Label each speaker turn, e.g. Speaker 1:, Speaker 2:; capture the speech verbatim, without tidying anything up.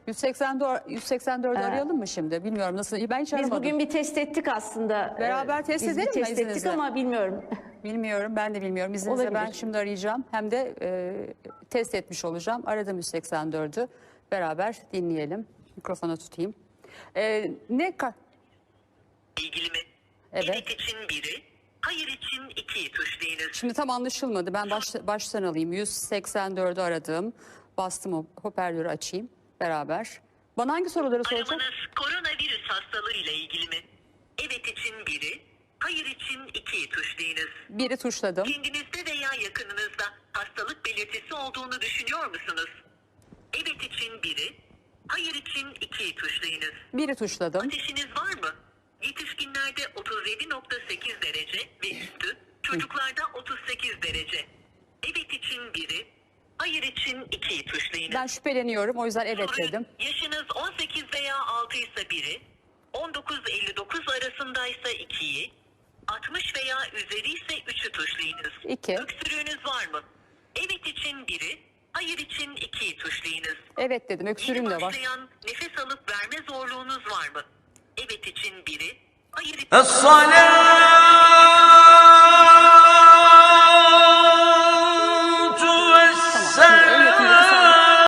Speaker 1: yüz seksen dört, yüz seksen dördü
Speaker 2: Ee,
Speaker 1: arayalım mı şimdi? Bilmiyorum nasıl. Ben hiç
Speaker 2: Biz
Speaker 1: aramadım.
Speaker 2: bugün bir test ettik aslında.
Speaker 1: Beraber
Speaker 2: Ee,
Speaker 1: test
Speaker 2: Biz bir
Speaker 1: edelim mi
Speaker 2: test ettik
Speaker 1: izninizle?
Speaker 2: ama bilmiyorum.
Speaker 1: Bilmiyorum, ben de bilmiyorum. İzninizle ben
Speaker 2: Olabilir.
Speaker 1: şimdi arayacağım. Hem de e, test etmiş olacağım. Aradım yüz seksen dördü. Beraber dinleyelim. Mikrofona tutayım. E, ne ka-
Speaker 3: ilgili mi?
Speaker 1: Evet.
Speaker 3: Evet için biri, hayır için ikiyi tuşlayınız.
Speaker 1: Şimdi tam anlaşılmadı. Ben baş, baştan alayım. yüz seksen dördü aradım. Bastım, o hoparlörü açayım beraber. Bana hangi soruları soracak?
Speaker 3: Aramanız koronavirüs hastalığıyla ilgili mi? Evet için biri, hayır için ikiyi tuşlayınız.
Speaker 1: Biri tuşladım.
Speaker 3: Kendinizde veya yakınınızda hastalık belirtisi olduğunu düşünüyor musunuz? Evet için biri, hayır için ikiyi tuşlayınız.
Speaker 1: Biri tuşladım.
Speaker 3: Ateşiniz var mı? Yetişkinlerde otuz yedi nokta sekiz derece ve üstü, çocuklarda otuz sekiz derece. Evet için biri, hayır için ikiyi tuşlayınız.
Speaker 1: Ben şüpheleniyorum. O yüzden evet
Speaker 3: Soru,
Speaker 1: dedim.
Speaker 3: yaşınız on sekiz veya altı ise biri, on dokuz elli dokuz arasındaysa ikiyi, altmış veya üzeri ise üçü tuşlayınız.
Speaker 1: İki.
Speaker 3: Öksürüğünüz var mı? Evet için biri, hayır için ikiyi tuşlayınız.
Speaker 1: Evet dedim. Öksürüğüm
Speaker 3: Yeni
Speaker 1: de var.
Speaker 3: başlayan nefes alıp verme zorluğunuz var mı? Evet için biri, hayır için...
Speaker 4: الصلاة